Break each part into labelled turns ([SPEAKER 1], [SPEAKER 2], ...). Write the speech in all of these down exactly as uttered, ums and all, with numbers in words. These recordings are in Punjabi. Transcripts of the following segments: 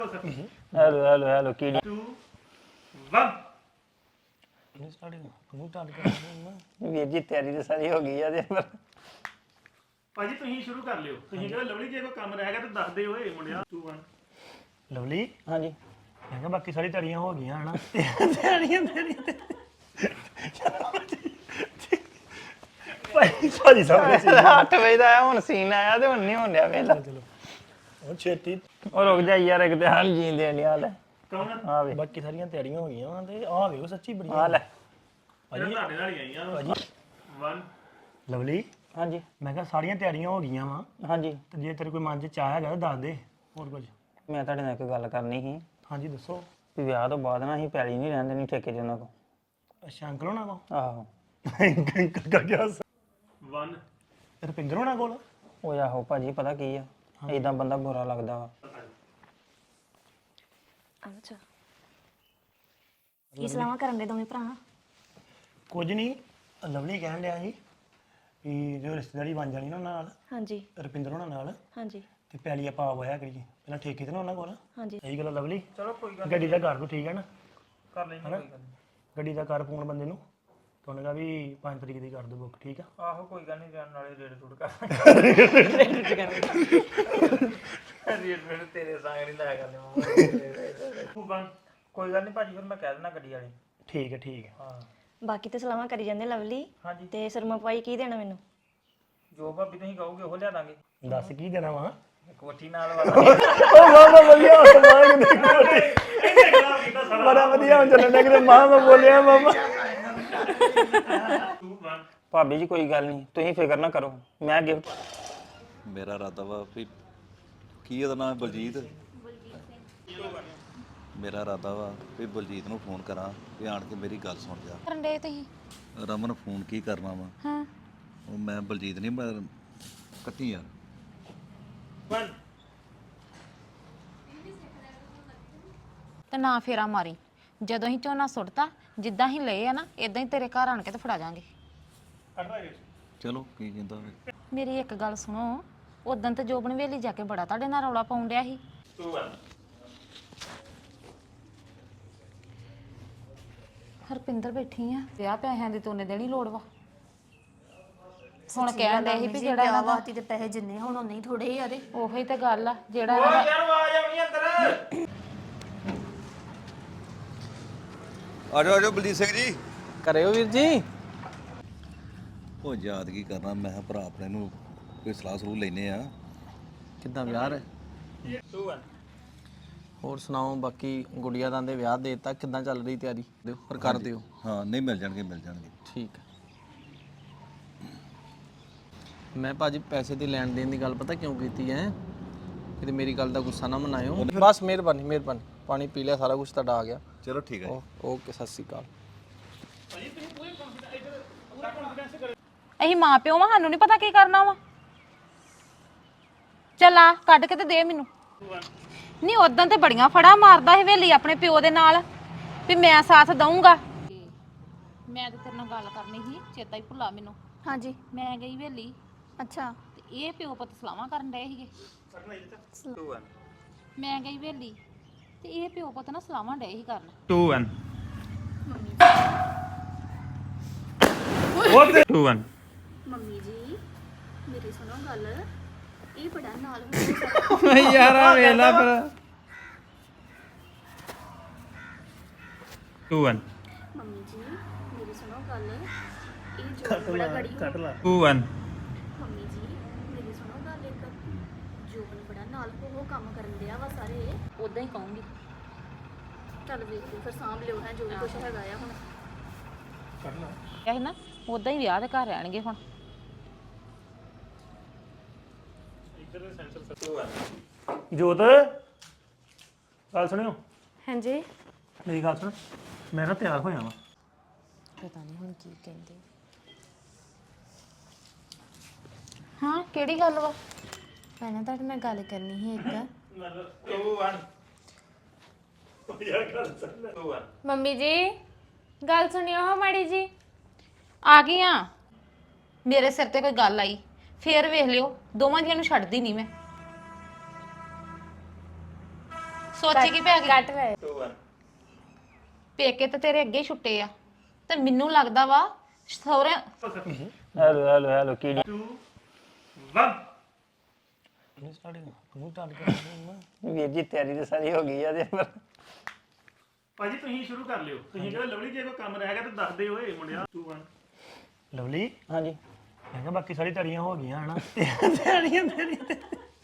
[SPEAKER 1] ਹੈਲੋ ਹੈਲੋ ਹੈਲੋ ਕੀ
[SPEAKER 2] two one
[SPEAKER 1] ਵੀਰ ਜੀ ਤਿਆਰੀ ਤਾਂ ਸਾਰੀ ਹੋ ਗਈ ਆ ਤੇ ਪਰ
[SPEAKER 2] ਭਾਜੀ ਤੁਸੀਂ ਸ਼ੁਰੂ ਕਰ ਲਿਓ ਤੁਸੀਂ ਕਿਹਾ ਲਵਲੀ ਜੇ ਕੋਈ ਕੰਮ ਰਹਿ ਗਿਆ ਤਾਂ ਦੱਸ ਦਿਓ ਓਏ ਮੁੰਡਿਆ two one
[SPEAKER 3] ਲਵਲੀ
[SPEAKER 1] ਹਾਂਜੀ
[SPEAKER 3] ਮੈਂ ਕਿਹਾ ਬਾਕੀ ਸਾਰੀ ਧੜੀਆਂ ਹੋ ਗਈਆਂ ਹਨਾ ਧੜੀਆਂ ਧੜੀਆਂ ਭਾਈ ਸਾਰੀ ਸਾਹਮਣੇ ਸੀ
[SPEAKER 1] ਅੱਠ ਵਜੇ ਦਾ ਆਇਆ ਹੁਣ ਸੀਨ ਆਇਆ ਤੇ ਹੁਣ ਨਹੀਂ ਹੋਣ ਡਿਆ ਵੇਲਾ
[SPEAKER 3] ਚਲੋ ਉਹ ਛੇਤੀ
[SPEAKER 1] ਉਹ ਰੁਕ ਜਾ ਯਾਰ ਇੱਕ ਤੇ ਹਾਲ ਜੀਂਦੇ ਨਹੀਂ ਹਾਲ
[SPEAKER 2] ਕੌਣ
[SPEAKER 1] ਆ ਵੇ
[SPEAKER 3] ਬਾਕੀ ਸਾਰੀਆਂ ਤਿਆਰੀਆਂ ਹੋ ਗਈਆਂ ਵਾਂ ਤੇ ਆਹ ਵੇਖੋ ਸੱਚੀ ਬੜੀ
[SPEAKER 1] ਆ ਲੈ
[SPEAKER 2] ਭਾਜੀ ਤੁਹਾਡੇ ਨਾਲ ਹੀ ਆਈਆਂ
[SPEAKER 3] ਭਾਜੀ
[SPEAKER 2] one
[SPEAKER 3] ਲਵਲੀ
[SPEAKER 1] ਹਾਂਜੀ
[SPEAKER 3] ਮੈਂ ਕਿਹਾ ਸਾਰੀਆਂ ਤਿਆਰੀਆਂ ਹੋ ਗਈਆਂ ਵਾ
[SPEAKER 1] ਹਾਂਜੀ
[SPEAKER 3] ਤੇ ਜੇ ਤੇਰੇ ਕੋਈ ਮਨ 'ਚ ਚਾਹ ਹੈਗਾ ਤਾਂ ਦੱਸ ਦੇ ਹੋਰ ਕੁਝ
[SPEAKER 1] ਮੈਂ ਤੁਹਾਡੇ ਨਾਲ ਇੱਕ ਗੱਲ ਕਰਨੀ ਸੀ
[SPEAKER 3] ਹਾਂਜੀ ਦੱਸੋ
[SPEAKER 1] ਵੀ ਵਿਆਹ ਤੋਂ ਬਾਅਦ ਨਾ ਅਸੀਂ ਪੈਲੀ ਨਹੀਂ ਰਹਿਣ ਦੇਣੀ ਠੇਕੇ 'ਚ ਉਹਨਾਂ ਕੋ
[SPEAKER 3] ਅੱਛਾ ਅੰਕਲ ਹੋਣਾ ਕੋ
[SPEAKER 1] ਆਹੋ
[SPEAKER 3] ਅੰਕਲ ਕਾ ਗਿਆ
[SPEAKER 2] one
[SPEAKER 3] ਰੁਪਿੰਦਰ ਹੋਣਾ ਕੋਲ
[SPEAKER 1] ਉਹ ਆਹੋ ਭਾਜੀ ਪਤਾ ਕੀ ਆ ਏਦਾਂ ਬੰਦਾ ਬੁਰਾ ਲੱਗਦਾ ਵਾ
[SPEAKER 4] ਅੱਛਾ ਕੀ ਸਲਾਹਾਂ ਕਰਨ ਦੇ ਦੋਵੇਂ ਭਰਾ
[SPEAKER 3] ਕੁਝ ਨਹੀਂ ਲਵਲੀ ਕਹਿਣ ਡਿਆ ਸੀ ਵੀ ਜੋ ਰਿਸ਼ਤੇਦਾਰੀ ਬਣ ਜਾਣੀ ਨਾ ਉਹਨਾਂ ਨਾਲ
[SPEAKER 4] ਹਾਂਜੀ
[SPEAKER 3] ਰੁਪਿੰਦਰ ਹੋਣਾ ਨਾਲ
[SPEAKER 4] ਹਾਂਜੀ
[SPEAKER 3] ਤੇ ਪੈਲੀ ਆਪਾਂ ਆਵਾਇਆ ਕਰੀਏ ਪਹਿਲਾਂ ਠੇਕੇ ਤੇ ਨਾ ਉਹਨਾਂ ਕੋਲ
[SPEAKER 4] ਹਾਂਜੀ
[SPEAKER 3] ਸਹੀ ਗੱਲ ਆ ਲਵਲੀ ਚਲੋ ਕੋਈ ਗੱਲ ਗੱਡੀ ਦਾ ਕਰ ਦੋ ਠੀਕ ਹੈ ਨਾ
[SPEAKER 2] ਕਰ ਲੈਂਦੇ ਕੋਈ ਗੱਲ
[SPEAKER 3] ਗੱਡੀ ਦਾ ਕਰ ਫੋਨ ਬੰਦੇ ਨੂੰ ਤੁਹਾਨੂੰ ਕਹਾ ਵੀ ਪੰਜ ਤਰੀਕ ਦੀ ਕਰ ਦੋ ਬੁੱਕ ਠੀਕ ਆ
[SPEAKER 2] ਆਹੋ ਕੋਈ ਗੱਲ ਨਹੀਂ ਜਾਣ ਨਾਲੇ ਰੇਡ ਰੂਡ ਕਰ ਰੇਡ ਰੇਡ ਤੇਰੇ ਸੰਗ ਨਹੀਂ ਲਾਇਆ ਕਰਨੇ two one ਕੋਈ ਗੱਲ ਨਹੀਂ ਭਾਜੀ ਫਿਰ ਮੈਂ ਕਹਿ ਦੇਣਾ ਗੱਡੀ ਵਾਲੇ
[SPEAKER 3] ਠੀਕ ਹੈ ਠੀਕ ਹੈ
[SPEAKER 2] ਹਾਂ
[SPEAKER 4] ਬਾਕੀ ਤੇ ਸਲਾਹਾਂ ਕਰੀ ਜਾਂਦੇ ਲਵਲੀ
[SPEAKER 2] ਹਾਂਜੀ
[SPEAKER 4] ਤੇ ਸਰਮਾ ਪਾਈ ਕੀ ਦੇਣਾ ਮੈਨੂੰ
[SPEAKER 2] ਜੋ ਭਾਬੀ ਤੁਸੀਂ ਕਹੋਗੇ ਉਹ ਲਿਆ ਦਾਂਗੇ
[SPEAKER 3] ਦੱਸ ਕੀ ਦੇਣਾ ਵਾ
[SPEAKER 2] ਕੋਠੀ ਨਾਲ ਵਾਲਾ
[SPEAKER 3] ਉਹ ਮਾਮਾ ਵਧੀਆ ਸਮਾਨ ਦੇ ਬੜਾ ਵਧੀਆ ਹੁਣ ਚੱਲਣ ਕਿ ਮਾਮਾ ਬੋਲਿਆ ਮਾਮਾ
[SPEAKER 2] two one
[SPEAKER 1] ਭਾਬੀ ਜੀ ਕੋਈ ਗੱਲ ਨਹੀਂ ਤੁਸੀਂ ਫਿਕਰ ਨਾ ਕਰੋ ਮੈਂ ਗਿਫਟ
[SPEAKER 5] ਮੇਰਾ ਇਰਾਦਾ ਵਾ ਵੀ ਕੀ ਉਹਦਾ ਨਾਮ ਬਲਜੀਤ ਮੇਰਾ ਇਰਾਦਾ ਵਾ ਵੀ ਬਲਜੀਤ ਨੂੰ ਫੋਨ ਕਰਾਂ ਵੀ ਆਣ ਕੇ ਮੇਰੀ ਗੱਲ ਸੁਣ ਜਾ
[SPEAKER 6] ਕਰਨ ਦੇ ਤੁਸੀਂ
[SPEAKER 5] ਰਮਨ ਫੋਨ ਕੀ ਕਰਨਾ ਵਾ
[SPEAKER 6] ਹਾਂ
[SPEAKER 5] ਉਹ ਮੈਂ ਬਲਜੀਤ ਨਹੀਂ ਮੈਂ ਕੱਟੀ ਯਾਰ
[SPEAKER 2] one
[SPEAKER 6] ਤੇ ਨਾ ਫੇਰਾ ਮਾਰੀ ਜਦੋਂ ਹੀ ਝੋਨਾ ਸੁੱਟਤਾ ਜਿੱਦਾਂ ਹੀ ਲਏ ਆ ਨਾ ਇਦਾਂ ਹੀ ਤੇਰੇ ਘਰ ਆਣ ਕੇ ਤੇ ਫੜਾ ਜਾਾਂਗੇ
[SPEAKER 5] ਚਲੋ ਕੀ ਕਹਿੰਦਾ ਵੇ
[SPEAKER 6] ਮੇਰੀ ਇੱਕ ਗੱਲ ਸੁਣੋ ਉਦੋਂ ਤੇ ਜੋਬਨ ਵੇਲੀ ਜਾ ਕੇ ਬੜਾ ਤੁਹਾਡੇ ਨਾਲ ਰੌਲਾ ਪਾਉਣ ਡਿਆ ਸੀ
[SPEAKER 2] two one
[SPEAKER 6] ਹਰਪਿੰਦਰ ਬੈਠੀ ਆ ਵਿਆਹ ਪੈਸਿਆਂ ਦੀ ਤੋਨੇ ਦੇਣੀ ਲੋੜ ਵਾ ਹੁਣ ਕਹਿਣ ਦੇ ਸੀ ਵੀ ਜਿਹੜਾ ਇਹਨਾਂ ਦਾ
[SPEAKER 4] ਤੇ ਪੈਸੇ ਜਿੰਨੇ ਹੁਣ ਉਨੇ ਹੀ ਥੋੜੇ ਆ ਦੇ
[SPEAKER 6] ਉਹੀ ਤੇ ਗੱਲ ਆ ਜਿਹੜਾ ਇਹਨਾਂ ਦਾ
[SPEAKER 2] ਯਾਰ ਆਵਾਜ਼ ਆਉਣੀ ਅੰਦਰ
[SPEAKER 5] ਆ ਜਾਓ ਆ ਜਾਓ ਬਲਜੀਤ ਸਿੰਘ ਜੀ
[SPEAKER 1] ਕਰਿਓ ਵੀਰ ਜੀ
[SPEAKER 5] ਉਹ ਯਾਦ ਕੀ ਕਰਨਾ ਮੈਂ ਕਿਹਾ ਭਰਾ ਆਪਣੇ ਨੂੰ ਕੋਈ ਸਲਾਹ ਸਲੂਹ ਲੈਨੇ ਆ
[SPEAKER 7] ਕਿੱਦਾਂ ਵਿਆਹ ਹੈ
[SPEAKER 2] two one
[SPEAKER 7] ਹੋਰ ਸੁਣਾਓ ਬਾਕੀ ਗੁੜੀਆ ਦਾ ਦੇ ਵਿਆਹ ਦੇ ਦਿੱਤਾ ਕਿੱਦਾਂ ਚੱਲ ਰਹੀ ਤਿਆਰੀ ਦਿਓ ਪਰ ਕਰ ਦਿਓ
[SPEAKER 5] ਹਾਂ ਨਹੀਂ ਮਿਲ ਜਾਣਗੇ ਮਿਲ ਜਾਣਗੇ
[SPEAKER 7] ਠੀਕ ਹੈ ਮੈਂ ਭਾਜੀ ਪੈਸੇ ਦੀ ਲੈਣ ਦੇਣ ਦੀ ਗੱਲ ਪਤਾ ਕਿਉਂ ਕੀਤੀ ਹੈ ਕਿਤੇ ਮੇਰੀ ਗੱਲ ਦਾ ਗੁੱਸਾ ਨਾ ਮਨਾਇਓ ਬਸ ਮਿਹਰਬਾਨੀ ਮਿਹਰਬਾਨੀ ਪਾਣੀ ਪੀ ਲਿਆ ਸਾਰਾ ਕੁਝ ਤੁਹਾਡਾ ਆ ਗਿਆ
[SPEAKER 5] ਚਲੋ ਠੀਕ ਹੈ ਜੀ।
[SPEAKER 7] ਓ- ਓਕੇ ਸਤਿ ਸ਼੍ਰੀ ਅਕਾਲ
[SPEAKER 6] ਅਸੀਂ ਮਾਂ ਪਿਓ ਵਾਂ ਸਾਨੂੰ ਨਹੀਂ ਪਤਾ ਕੀ ਕਰਨਾ ਵਾ ਚੱਲ ਆ ਕੱਢ ਕੇ ਤੇ ਦੇ ਮੈਨੂੰ ਨਹੀਂ ਉਦੋਂ ਤੇ ਬੜੀਆਂ ਫੜਾ ਮਾਰਦਾ ਸੀ ਵੇਲੀ ਆਪਣੇ ਪਿਓ ਦੇ ਨਾਲ ਵੀ ਮੈਂ ਸਾਥ ਦਊਂਗਾ ਮੈਂ ਤੇ ਤੇਰੇ ਨਾਲ ਗੱਲ ਕਰਨੀ ਸੀ ਚੇਤਾ ਹੀ ਭੁੱਲਾ ਮੈਨੂੰ
[SPEAKER 4] ਹਾਂਜੀ
[SPEAKER 6] ਮੈਂ ਗਈ ਵੇਲੀ
[SPEAKER 4] ਅੱਛਾ
[SPEAKER 6] ਤੇ ਇਹ ਪਿਓ ਪੁੱਤ ਸਲਾਹਾਂ ਕਰਨ ਡਏ ਸੀਗੇ
[SPEAKER 2] two one
[SPEAKER 6] ਮੈਂ ਗਈ ਵੇਲੀ ਤੇ ਇਹ ਪਿਓ ਪੁੱਤ ਨਾ ਸਲਾਹਾਂ ਡਏ ਸੀ ਕਰਨ
[SPEAKER 2] two one two one
[SPEAKER 4] mummy ਜੀ ਮੇਰੀ ਸੁਣੋ ਗੱਲ ਇਹ ਬੜਾ ਨਾਲ ਹੋ
[SPEAKER 1] ਯਾਰ ਆ ਵੇਲਾ ਫਿਰ
[SPEAKER 2] two one
[SPEAKER 4] ਮੰਮੀ ਜੀ ਮੇਰੀ ਸੁਣੋ ਗੱਲ ਇਹ ਜੋ ਬੜਾ ਗੜੀ
[SPEAKER 3] ਕੱਟ ਲਾ
[SPEAKER 2] two one
[SPEAKER 4] ਮੰਮੀ ਜੀ ਮੇਰੀ ਸੁਣੋ ਗੱਲ ਇੱਕ ਜੋਬਨ ਬੜਾ ਨਾਲ ਉਹ ਕੰਮ ਕਰਨ ਦਿਆ ਵਾ ਸਾਰੇ
[SPEAKER 6] ਉਦਾਂ ਹੀ ਕਹੂੰਗੀ
[SPEAKER 4] ਚੱਲ ਵੇਖ ਲਿਓ ਫਿਰ ਸਾਂਭ ਲਿਓ ਹੈ ਜੋ ਵੀ ਕੁਛ ਹੈਗਾ ਆ ਹੁਣ
[SPEAKER 6] ਇਹ ਨਾ ਉਦਾਂ ਹੀ ਵਿਆਹ ਦੇ ਘਰ ਰਹਿਣਗੇ ਹੁਣ
[SPEAKER 3] ਜੋਤ ਗੱਲ ਸੁਣਿਓ
[SPEAKER 4] ਹਾਂਜੀ
[SPEAKER 3] ਮੇਰੀ ਗੱਲ ਸੁਣ ਮੈਂ ਨਾ ਤਿਆਰ ਹੋਇਆ ਵਾਂ
[SPEAKER 6] ਪਤਾ ਨਹੀਂ ਹੁਣ ਕੀ ਕਹਿੰਦੇ ਹਾਂ ਕਿਹੜੀ ਗੱਲ ਵਾ
[SPEAKER 8] ਪਹਿਲਾਂ ਤੁਹਾਡੇ ਨਾਲ ਗੱਲ ਕਰਨੀ ਸੀ ਇੱਕ
[SPEAKER 2] two one two one
[SPEAKER 8] mummy ਜੀ ਗੱਲ ਸੁਣਿਓ ਹੋ ਮਾੜੀ ਜੀ
[SPEAKER 6] ਆ ਗਈ ਆ ਮੇਰੇ ਸਿਰ ਤੇ ਕੋਈ ਗੱਲ ਆਈ ਫੇਰ ਵੇਖ ਲਿਓ ਦੋਵਾਂ ਜੀਆਂ ਨੂੰ ਛੱਡਦੀ ਨਹੀਂ ਮੈਂ ਸੋਚੀ ਕੀ ਪੈ ਗਈ
[SPEAKER 8] ਕੱਟ ਲੈ
[SPEAKER 2] two one
[SPEAKER 6] ਪੇਕੇ ਤੇ ਤੇਰੇ ਅੱਗੇ ਹੀ ਛੁੱਟੇ ਆ ਤੇ ਮੈਨੂੰ ਲੱਗਦਾ ਵਾ ਸਹੁਰੇ
[SPEAKER 1] ਹੈਲੋ ਹੈਲੋ ਹੈਲੋ ਕੀ
[SPEAKER 2] two one
[SPEAKER 1] ਵੀਰ ਜੀ ਤਿਆਰੀ ਤੇ ਸਾਰੀ ਹੋ ਗਈ ਆ ਤੇ ਪਰ
[SPEAKER 3] ਭਾਜੀ ਤੁਸੀਂ ਸ਼ੁਰੂ ਕਰ ਲਿਓ ਤੁਸੀਂ ਕਹਿੰਦੇ ਲਵਲੀ ਜੇ ਕੋਈ ਕੰਮ ਰਹਿ ਗਿਆ ਤਾਂ ਦੱਸ ਦਿਓ ਓਏ ਮੁੰਡਿਆ two one ਲਵਲੀ
[SPEAKER 1] ਹਾਂਜੀ
[SPEAKER 3] ਮੈਂ ਕਿਹਾ ਬਾਕੀ ਸਾਰੀ ਤੜੀਆਂ ਹੋ ਗਈਆਂ ਹਨਾ ਤੜੀਆਂ ਤੜੀਆਂ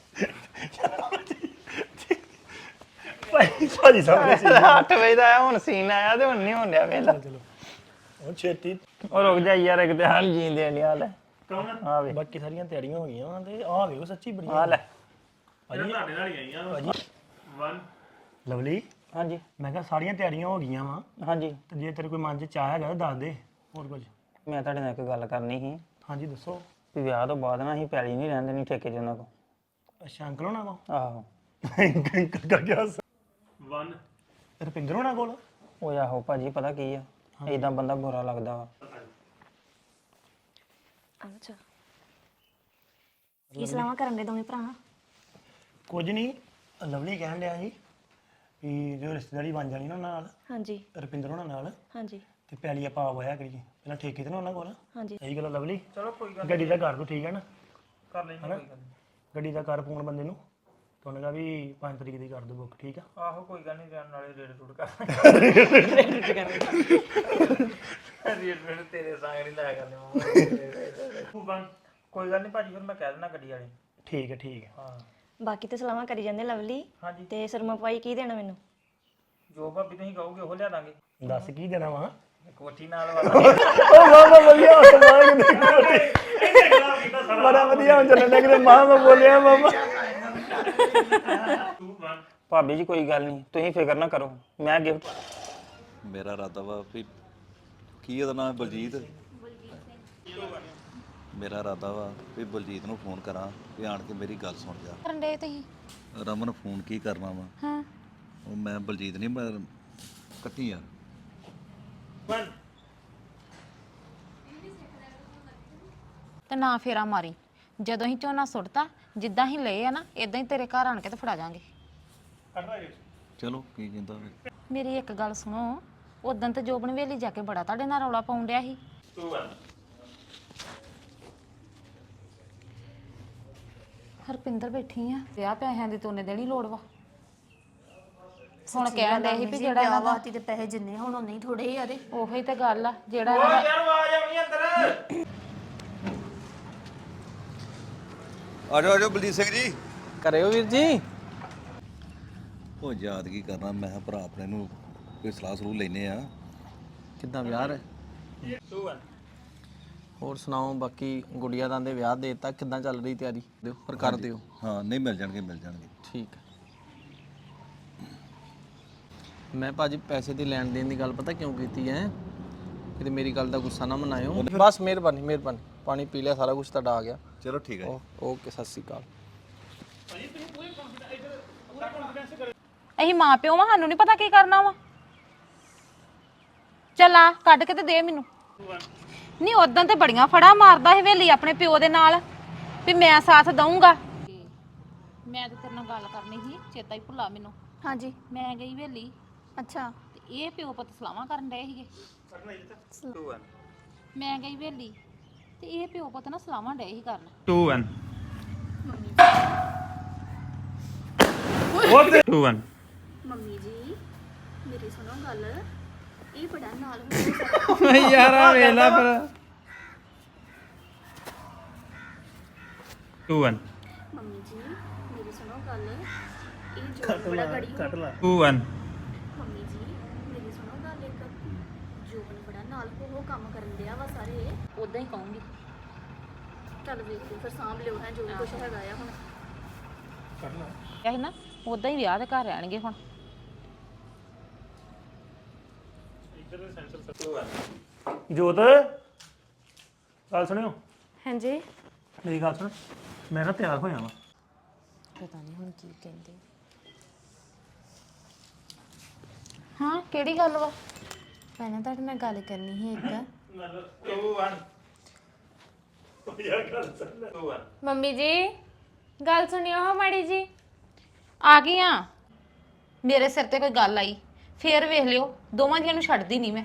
[SPEAKER 3] ਭਾਈ ਭਾਜੀ ਸਾਹਮਣੇ ਸੀ
[SPEAKER 1] ਅੱਠ ਵਜੇ ਦਾ ਆਇਆ ਹੁਣ ਸੀਨ ਆਇਆ ਤੇ ਹੁਣ ਨਹੀਂ ਹੋਣ ਡਿਆ ਵੇਲਾ
[SPEAKER 3] ਚਲੋ ਉਹ ਛੇਤੀ
[SPEAKER 1] ਉਹ ਰੁਕ ਜਾ ਯਾਰ ਇੱਕ ਤੇ ਹਾਲ ਜੀਂਦੇ ਨਹੀਂ ਹਾਲ
[SPEAKER 3] ਕੌਣ
[SPEAKER 1] ਆ ਵੇ
[SPEAKER 3] ਬਾਕੀ ਸਾਰੀਆਂ ਤਿਆਰੀਆਂ ਹੋ ਗਈਆਂ ਵਾਂ ਤੇ ਆਹ ਵੇਖੋ ਸੱਚੀ ਬੜੀ
[SPEAKER 1] ਆ ਲੈ
[SPEAKER 3] ਭਾਜੀ
[SPEAKER 2] ਤੁਹਾਡੇ ਨਾਲ ਹੀ ਆਈਆਂ
[SPEAKER 3] ਭਾਜੀ
[SPEAKER 2] one
[SPEAKER 3] ਲਵਲੀ
[SPEAKER 1] ਹਾਂਜੀ
[SPEAKER 3] ਮੈਂ ਕਿਹਾ ਸਾਰੀਆਂ ਤਿਆਰੀਆਂ ਹੋ ਗਈਆਂ ਵਾ
[SPEAKER 1] ਹਾਂਜੀ
[SPEAKER 3] ਤੇ ਜੇ ਤੇਰੇ ਕੋਈ ਮਨ 'ਚ ਚਾਹ ਹੈਗਾ ਤਾਂ ਦੱਸ ਦੇ ਹੋਰ ਕੁਝ
[SPEAKER 1] ਮੈਂ ਤੁਹਾਡੇ ਨਾਲ ਇੱਕ ਗੱਲ ਕਰਨੀ ਸੀ
[SPEAKER 3] ਹਾਂਜੀ ਦੱਸੋ
[SPEAKER 1] ਵੀ ਵਿਆਹ ਤੋਂ ਬਾਅਦ ਨਾ ਅਸੀਂ ਪੈਲੀ ਨਹੀਂ ਰਹਿੰਦੇ ਨਹੀਂ ਠੇਕੇ 'ਚ ਉਹਨਾਂ ਕੋ
[SPEAKER 3] ਅੱਛਾ ਅੰਕਲ ਹੋਣਾ ਕੋ
[SPEAKER 1] ਆਹੋ
[SPEAKER 3] ਕਰ ਗਿਆ
[SPEAKER 2] one
[SPEAKER 3] ਰੁਪਿੰਦਰ ਹੋਣਾ ਕੋਲ
[SPEAKER 1] ਉਹ ਆਹੋ ਭਾਜੀ ਪਤਾ ਕੀ ਆ ਇਦਾਂ ਬੰਦਾ ਬੁਰਾ ਲੱਗਦਾ ਵਾ
[SPEAKER 4] ਅੱਛਾ ਕੀ ਸਲਾਹਾਂ ਕਰਨ ਦੇ ਦੋਵੇਂ ਭਰਾ
[SPEAKER 3] ਕੁਝ ਨਹੀਂ ਲਵਲੀ ਕਹਿਣ ਡਿਆ ਜੀ ਵੀ ਜੋ ਰਿਸ਼ਤੇਦਾਰੀ ਬਣ ਜਾਣੀ ਨਾ ਉਹਨਾਂ ਨਾਲ
[SPEAKER 4] ਹਾਂਜੀ
[SPEAKER 3] ਰੁਪਿੰਦਰ ਹੋਣਾ ਨਾਲ
[SPEAKER 4] ਹਾਂਜੀ
[SPEAKER 3] ਤੇ ਪੈਲੀ ਆਪਾਂ ਹੋਇਆ ਕਰੀਏ ਪਹਿਲਾਂ ਠੇਕੇ ਤੇ ਨਾ ਉਹਨਾਂ ਕੋਲ
[SPEAKER 4] ਹਾਂਜੀ
[SPEAKER 3] ਸਹੀ ਗੱਲ ਆ ਲਵਲੀ
[SPEAKER 2] ਚਲੋ ਕੋਈ ਗੱਲ
[SPEAKER 3] ਗੱਡੀ ਦਾ ਕਰ ਦੋ ਠੀਕ ਹੈ ਨਾ
[SPEAKER 2] ਕਰ ਲੈਂਦੇ ਕੋਈ ਗੱਲ ਨੀ।
[SPEAKER 3] ਗੱਡੀ ਦਾ ਕਰ ਫੋਨ ਬੰਦੇ ਨੂੰ ਤੇ ਉਹਨੇ ਕਹਾ ਵੀ ਪੰਜ ਤਰੀਕ ਦੀ ਕਰ ਦੋ ਬੁੱਕ ਠੀਕ ਆ
[SPEAKER 2] ਆਹੋ ਕੋਈ ਗੱਲ ਨਹੀਂ ਜਾਣ ਨਾਲੇ ਰੇਡ ਰੂਡ ਕਰ ਰੇਡ ਰੇਡ ਤੇਰੇ ਸੰਗ ਨਹੀਂ ਲਾਇਆ ਕਰਨੇ ਮਮਾ ਕੋਈ ਗੱਲ ਨਹੀਂ ਭਾਜੀ ਫਿਰ ਮੈਂ ਕਹਿ ਦਿੰਦਾ ਗੱਡੀ ਵਾਲੇ
[SPEAKER 3] ਠੀਕ ਹੈ ਠੀਕ ਹੈ
[SPEAKER 2] ਹਾਂ
[SPEAKER 4] ਬਾਕੀ ਤੇ ਸਲਾਹਾਂ ਕਰੀ ਜਾਂਦੇ ਲਵਲੀ
[SPEAKER 2] ਹਾਂਜੀ
[SPEAKER 4] ਤੇ ਸਰਮਾ ਪਾਈ ਕੀ ਦੇਣਾ ਮੈਨੂੰ
[SPEAKER 2] ਜੋ ਭਾਬੀ ਤੁਸੀਂ ਕਹੋਗੇ ਉਹ ਲਿਆ ਦਾਂਗੇ
[SPEAKER 3] ਦੱਸ ਕੀ ਦੇਣਾ ਵਾ
[SPEAKER 2] ਕੋਠੀ ਨਾਲ ਵਾਲਾ
[SPEAKER 3] ਉਹ ਮਾਮਾ ਵਧੀਆ ਸਮਾਨ ਬੜਾ ਵਧੀਆ ਹੁਣ ਚੱਲਣ ਲੱਗ ਰਿਹਾ ਮਾਂ ਮੈਂ ਬੋਲਿਆ ਮਾਮਾ
[SPEAKER 2] two one
[SPEAKER 1] ਭਾਬੀ ਜੀ ਕੋਈ ਗੱਲ ਨਹੀਂ ਤੁਸੀਂ ਫਿਕਰ ਨਾ ਕਰੋ ਮੈਂ ਗਿਫਟ
[SPEAKER 5] ਮੇਰਾ ਇਰਾਦਾ ਵਾ ਵੀ ਕੀ ਉਹਦਾ ਨਾਮ ਹੈ ਬਲਜੀਤ ਮੇਰਾ ਇਰਾਦਾ ਵਾ ਵੀ ਬਲਜੀਤ ਨੂੰ ਫੋਨ ਕਰਾਂ ਵੀ ਆਣ ਕੇ ਮੇਰੀ ਗੱਲ ਸੁਣ ਜਾ
[SPEAKER 6] ਕਰਨ ਦੇ ਤੁਸੀਂ
[SPEAKER 5] ਰਮਨ ਫੋਨ ਕੀ ਕਰਨਾ ਵਾ
[SPEAKER 6] ਹਾਂ
[SPEAKER 5] ਉਹ ਮੈਂ ਬਲਜੀਤ ਨਹੀਂ ਮੈਂ ਕੱਟੀ ਯਾਰ
[SPEAKER 2] one
[SPEAKER 6] ਤੇ ਨਾ ਫੇਰਾ ਮਾਰੀ ਜਦੋਂ ਹੀ ਝੋਨਾ ਸੁੱਟਤਾ ਜਿੱਦਾਂ ਹੀ ਲਏ ਆ ਨਾ ਇਦਾਂ ਹੀ ਤੇਰੇ ਘਰ ਆਣ ਕੇ ਤੇ ਫੜਾ ਜਾਾਂਗੇ
[SPEAKER 5] ਚਲੋ ਕੀ ਕਹਿੰਦਾ ਫਿਰ
[SPEAKER 6] ਮੇਰੀ ਇੱਕ ਗੱਲ ਸੁਣੋ ਉਦੋਂ ਤੇ ਜੋਬਨ ਵੇਲੀ ਜਾ ਕੇ ਬੜਾ ਤੁਹਾਡੇ ਨਾਲ ਰੌਲਾ ਪਾਉਣ ਡਿਆ ਸੀ
[SPEAKER 2] two one
[SPEAKER 6] ਹਰਪਿੰਦਰ ਬੈਠੀ ਆ ਵਿਆਹ ਪੈਸਿਆਂ ਦੀ ਤੋਨੇ ਦੇਣੀ ਲੋੜ ਵਾ ਹੁਣ ਕਹਿਣ ਦੇ ਸੀ ਵੀ ਜਿਹੜਾ ਇਹਨਾਂ ਦਾ
[SPEAKER 4] ਤੇ ਪੈਸੇ ਜਿੰਨੇ ਹੁਣ ਉਨੇ ਹੀ ਥੋੜੇ ਆ ਤੇ
[SPEAKER 6] ਉਹੀ ਤੇ ਗੱਲ ਆ ਜਿਹੜਾ ਇਹਨਾਂ ਦਾ
[SPEAKER 2] ਯਾਰ ਆਵਾਜ਼ ਆਉਣੀ ਅੰਦਰ
[SPEAKER 5] ਆ ਜਾਓ ਆ ਜਾਓ ਬਲਜੀਤ ਸਿੰਘ ਜੀ
[SPEAKER 7] ਕਰਿਓ ਵੀਰ ਜੀ
[SPEAKER 5] ਉਹ ਯਾਦ ਕੀ ਕਰਨਾ ਮੈਂ ਕਿਹਾ ਭਰਾ ਆਪਣੇ ਨੂੰ ਕੋਈ ਸਲਾਹ ਸਲੂਹ ਲੈਨੇ ਆ
[SPEAKER 7] ਕਿੱਦਾਂ ਵਿਆਹ ਹੈ
[SPEAKER 2] two one
[SPEAKER 7] ਹੋਰ ਸੁਣਾਓ ਬਾਕੀ ਗੁੜੀਆ ਦਾ ਦੇ ਵਿਆਹ ਦੇ ਦਿੱਤਾ ਕਿੱਦਾਂ ਚੱਲ ਰਹੀ ਤਿਆਰੀ ਦਿਓ ਪਰ ਕਰ ਦਿਓ
[SPEAKER 5] ਹਾਂ ਨਹੀਂ ਮਿਲ ਜਾਣਗੇ ਮਿਲ ਜਾਣਗੇ
[SPEAKER 7] ਠੀਕ ਹੈ ਮੈਂ ਭਾਜੀ ਪੈਸੇ ਦੀ ਲੈਣ ਦੇਣ ਦੀ ਗੱਲ ਪਤਾ ਕਿਉਂ ਕੀਤੀ ਹੈ ਕਿਤੇ ਮੇਰੀ ਗੱਲ ਦਾ ਗੁੱਸਾ ਨਾ ਮਨਾਇਓ ਬਸ ਮਿਹਰਬਾਨੀ ਮਿਹਰਬਾਨੀ ਪਾਣੀ ਪੀ ਲਿਆ ਸਾਰਾ ਕੁਝ ਤੁਹਾਡਾ ਆ ਗਿਆ
[SPEAKER 5] ਚਲੋ ਠੀਕ ਹੈ
[SPEAKER 7] ਓ- ਓਕੇ ਸਤਿ ਸ਼੍ਰੀ ਅਕਾਲ
[SPEAKER 6] ਅਸੀਂ ਮਾਂ ਪਿਓ ਵਾਂ ਸਾਨੂੰ ਨਹੀਂ ਪਤਾ ਕੀ ਕਰਨਾ ਵਾ ਚੱਲ ਆ ਕੱਢ ਕੇ ਤੇ ਦੇ ਮੈਨੂੰ ਨਹੀਂ ਉਦੋਂ ਤੇ ਬੜੀਆਂ ਫੜਾ ਮਾਰਦਾ ਸੀ ਹਵੇਲੀ ਆਪਣੇ ਪਿਓ ਦੇ ਨਾਲ ਵੀ ਮੈਂ ਸਾਥ ਦਊਂਗਾ ਮੈਂ ਤੇ ਤੇਰੇ ਨਾਲ ਗੱਲ ਕਰਨੀ ਸੀ ਚੇਤਾ ਹੀ ਭੁੱਲਾ ਮੈਨੂੰ
[SPEAKER 4] ਹਾਂਜੀ
[SPEAKER 6] ਮੈਂ ਗਈ ਹਵੇਲੀ
[SPEAKER 4] ਅੱਛਾ
[SPEAKER 6] ਤੇ ਇਹ ਪਿਓ ਪੁੱਤ ਸਲਾਹਾਂ ਕਰਨ ਡਏ ਸੀਗੇ
[SPEAKER 2] two one
[SPEAKER 6] ਮੈਂ ਗਈ ਹਵੇਲੀ ਤੇ ਇਹ ਪਿਓ ਪੁੱਤ ਨਾ ਸਲਾਹਾਂ ਡਏ ਸੀ ਕਰਨ
[SPEAKER 2] two one two one
[SPEAKER 4] mummy ਜੀ ਮੇਰੀ ਸੁਣੋ ਗੱਲ ਇਹ ਬੜਾ ਨਾਲ ਹੋ
[SPEAKER 1] ਯਾਰ ਆ ਵੇਲਾ ਫਿਰ
[SPEAKER 2] two one
[SPEAKER 4] ਮੰਮੀ ਜੀ ਮੇਰੀ ਸੁਣੋ ਗੱਲ ਇਹ ਜੋ ਬੜਾ ਗੜੀ ਹੋ
[SPEAKER 2] two one
[SPEAKER 4] ਮੰਮੀ ਜੀ ਮੇਰੀ ਸੁਣੋ ਗੱਲ ਇੱਕ ਜੋਬਨ ਬੜਾ ਨਾਲ ਉਹ ਕੰਮ ਕਰਨ ਡਿਆ ਵਾ ਸਾਰੇ
[SPEAKER 6] ਉਦਾਂ ਹੀ ਕਹੂੰਗੀ
[SPEAKER 4] ਚੱਲ ਵੇਖ ਲਓ ਫਿਰ ਸਾਂਭ ਲਿਓ ਹੈ ਜੋ ਵੀ ਕੁਛ ਹੈਗਾ ਆ ਹੁਣ
[SPEAKER 6] ਇਹ ਨਾ ਉਦਾਂ ਹੀ ਵਿਆਹ ਦੇ ਘਰ ਰਹਿਣਗੇ ਹੁਣ
[SPEAKER 3] ਜੋਤ ਗੱਲ ਸੁਣਿਓ
[SPEAKER 8] ਹਾਂਜੀ
[SPEAKER 3] ਮੇਰੀ ਗੱਲ ਸੁਣ ਮੈਂ ਨਾ ਤਿਆਰ ਹੋਇਆ ਵਾਂ
[SPEAKER 8] ਪਤਾ ਨਹੀਂ ਹੁਣ ਕੀ ਕਹਿੰਦੇ
[SPEAKER 6] ਹਾਂ ਕਿਹੜੀ ਗੱਲ ਵਾ
[SPEAKER 8] ਪਹਿਲਾਂ ਤੁਹਾਡੇ ਨਾਲ ਗੱਲ ਕਰਨੀ ਸੀ ਇੱਕ
[SPEAKER 2] two one two one
[SPEAKER 8] mummy ਜੀ ਗੱਲ ਸੁਣਿਓ ਹੋ ਮਾੜੀ ਜੀ
[SPEAKER 6] ਆ ਗਈ ਆ ਮੇਰੇ ਸਿਰ ਤੇ ਕੋਈ ਗੱਲ ਆਈ ਫੇਰ ਵੇਖ ਲਿਓ ਦੋਵਾਂ ਜੀਆਂ ਨੂੰ ਛੱਡਦੀ ਨਹੀਂ ਮੈਂ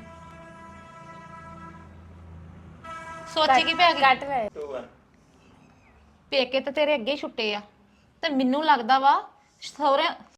[SPEAKER 6] ਸੋਚੀ ਕੀ ਪੈ ਗਈ
[SPEAKER 8] ਕੱਟ ਲੈ
[SPEAKER 6] ਪੇਕੇ ਤੇ ਤੇਰੇ ਅੱਗੇ ਹੀ ਛੁੱਟੇ ਆ ਤੇ ਮੈਨੂੰ ਲੱਗਦਾ ਵਾ ਸਹੁਰੇ